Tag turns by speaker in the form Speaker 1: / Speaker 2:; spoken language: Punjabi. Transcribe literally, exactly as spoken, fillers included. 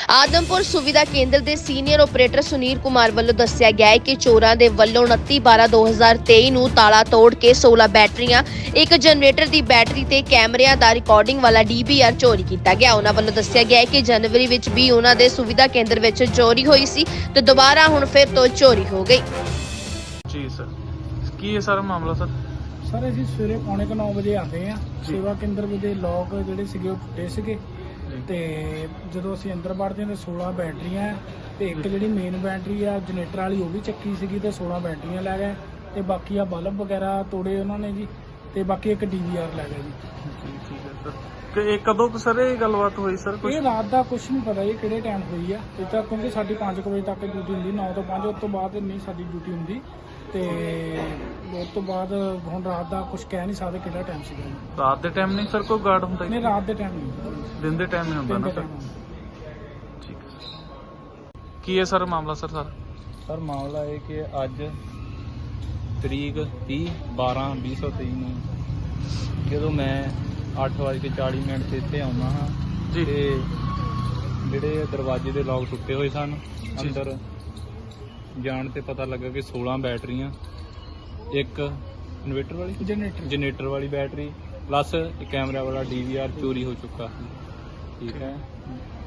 Speaker 1: ਆਦਮਪੁਰ ਸੁਵਿਧਾ ਕੇਂਦਰ ਦੇ ਸੀਨੀਅਰ ਆਪਰੇਟਰ ਸੁਨੀਲ ਕੁਮਾਰ ਵੱਲੋਂ ਦੱਸਿਆ ਗਿਆ ਹੈ ਕਿ ਚੋਰਾਂ ਦੇ ਵੱਲੋਂ ਉਨੱਤੀ ਬਾਰਾਂ ਦੋ ਹਜ਼ਾਰ ਤੇਈ ਨੂੰ ਤਾਲਾ ਤੋੜ ਕੇ ਸੋਲਾਂ ਬੈਟਰੀਆਂ, ਇੱਕ ਜਨਰੇਟਰ ਦੀ ਬੈਟਰੀ ਤੇ ਕੈਮਰਿਆਂ ਦਾ ਰਿਕਾਰਡਿੰਗ ਵਾਲਾ ਡੀ ਬੀ ਆਰ ਚੋਰੀ ਕੀਤਾ ਗਿਆ। ਉਹਨਾਂ ਵੱਲੋਂ ਦੱਸਿਆ ਗਿਆ ਹੈ ਕਿ ਜਨਵਰੀ ਵਿੱਚ ਵੀ ਉਹਨਾਂ ਦੇ ਸੁਵਿਧਾ ਕੇਂਦਰ ਵਿੱਚ ਚੋਰੀ ਹੋਈ ਸੀ ਤੇ ਦੁਬਾਰਾ ਹੁਣ ਫਿਰ ਤੋਂ ਚੋਰੀ ਹੋ ਗਈ।
Speaker 2: ਜੀ ਸਰ, ਕੀ ਹੈ ਸਾਰਾ ਮਾਮਲਾ ਸਰ?
Speaker 3: ਸਰ ਅਸੀਂ ਸਵੇਰੇ ਪੌਣੇ ਕੁ ਨੌ ਵਜੇ ਆਉਂਦੇ ਆ। ਸੇਵਾ ਕੇਂਦਰ ਦੇ ਲੋਕ ਜਿਹੜੇ ਸੀਗੇ ਉਹ ਟੁੱਟੇ ਸੀਗੇ ਤੇ ਜਦੋਂ ਅਸੀਂ ਅੰਦਰ ਵੜਦੇ ਹਾਂ ਤਾਂ ਸੋਲਾਂ ਬੈਟਰੀਆਂ ਤੇ ਇੱਕ ਜਿਹੜੀ ਮੇਨ ਬੈਟਰੀ ਆ ਜਨਰੇਟਰ ਵਾਲੀ ਉਹ ਵੀ ਚੱਕੀ ਸੀਗੀ ਤੇ ਸੋਲਾਂ ਬੈਟਰੀਆਂ ਲੈ ਗਏ ਤੇ ਬਾਕੀ ਆ ਬਲਬ ਵਗੈਰਾ ਤੋੜੇ ਉਹਨਾਂ ਨੇ ਜੀ ਤੇ ਬਾਕੀ ਇੱਕ ਡੀ ਵੀ ਆਰ ਲੈ ਗਏ ਜੀ।
Speaker 2: ਠੀਕ ਹੈ ਸਰ। ਕਿ ਇਹ ਕਦੋਂ ਕੁ ਸਰ ਇਹ ਗੱਲਬਾਤ ਹੋਈ ਸਰ? ਕੁਝ
Speaker 3: ਇਹ ਰਾਤ ਦਾ ਕੁਝ ਨਹੀਂ ਪਤਾ ਇਹ ਕਿਹੜੇ ਟਾਈਮ ਹੋਈ ਆ। ਇਹ ਤਾਂ ਕਿਉਂਕਿ ਸਾਡੀ ਪੰਜ ਕੁ ਵਜੇ ਤੱਕ ਡਿਊਟੀ ਹੁੰਦੀ, ਨੌ ਤੋਂ ਪੰਜ, ਉਸ ਤੋਂ ਬਾਅਦ ਨਹੀਂ ਸਾਡੀ ਡਿਊਟੀ ਹੁੰਦੀ ਤੇ ਉਸ ਤੋਂ ਬਾਅਦ ਹੁਣ ਰਾਤ ਦਾ ਕੁਝ ਕਹਿ ਨਹੀਂ ਸਕਦੇ ਕਿਹੜਾ ਟਾਈਮ ਸੀਗਾ।
Speaker 2: ਰਾਤ ਦੇ ਟਾਈਮ ਨਹੀਂ ਸਰ ਕੋਈ ਗਾਰਡ ਹੁੰਦਾ?
Speaker 3: ਨਹੀਂ ਰਾਤ ਦੇ ਟਾਈਮ ਨਹੀਂ,
Speaker 2: ਦਿਨ ਦੇ ਟਾਈਮ ਹੀ ਹੁੰਦਾ
Speaker 3: ਦਿਨ
Speaker 2: ਨਾ
Speaker 3: ਦੇ
Speaker 2: ਸਰ?
Speaker 3: ਟਾਈਮ।
Speaker 2: ਠੀਕ ਹੈ। ਕੀ ਹੈ ਸਰ ਮਾਮਲਾ ਸਰ? ਸਰ
Speaker 4: ਸਰ ਮਾਮਲਾ ਇਹ ਕਿ ਅੱਜ ਤਰੀਕ ਤੀਹ ਬਾਰਾਂ ਵੀਹ ਸੌ ਤੇਈ ਨੂੰ ਜਦੋਂ ਮੈਂ ਅੱਠ ਵੱਜ ਕੇ ਚਾਲੀ ਮਿੰਟ ਤੇ ਇੱਥੇ ਆਉਣਾ ਹਾਂ
Speaker 2: ਜੀ।
Speaker 4: ਤੇ ਜਿਹੜੇ ਦਰਵਾਜ਼ੇ ਦੇ ਲੋਕ ਟੁੱਟੇ ਹੋਏ ਸਨ, ਅੰਦਰ ਜਾਣ ਤੇ ਪਤਾ ਲੱਗਾ ਕਿ ਸੋਲਾਂ ਬੈਟਰੀਆਂ, ਇੱਕ ਇਨਵੇਟਰ ਵਾਲੀ
Speaker 3: ਜਨਰੇਟਰ
Speaker 4: ਜਨਰੇਟਰ ਵਾਲੀ ਬੈਟਰੀ ਪਲੱਸ ਇੱਕ ਕੈਮਰਾ ਵਾਲਾ ਡੀ ਵੀ ਆਰ ਚੋਰੀ ਹੋ ਚੁੱਕਾ ਸੀ। ਠੀਕ ਹੈ।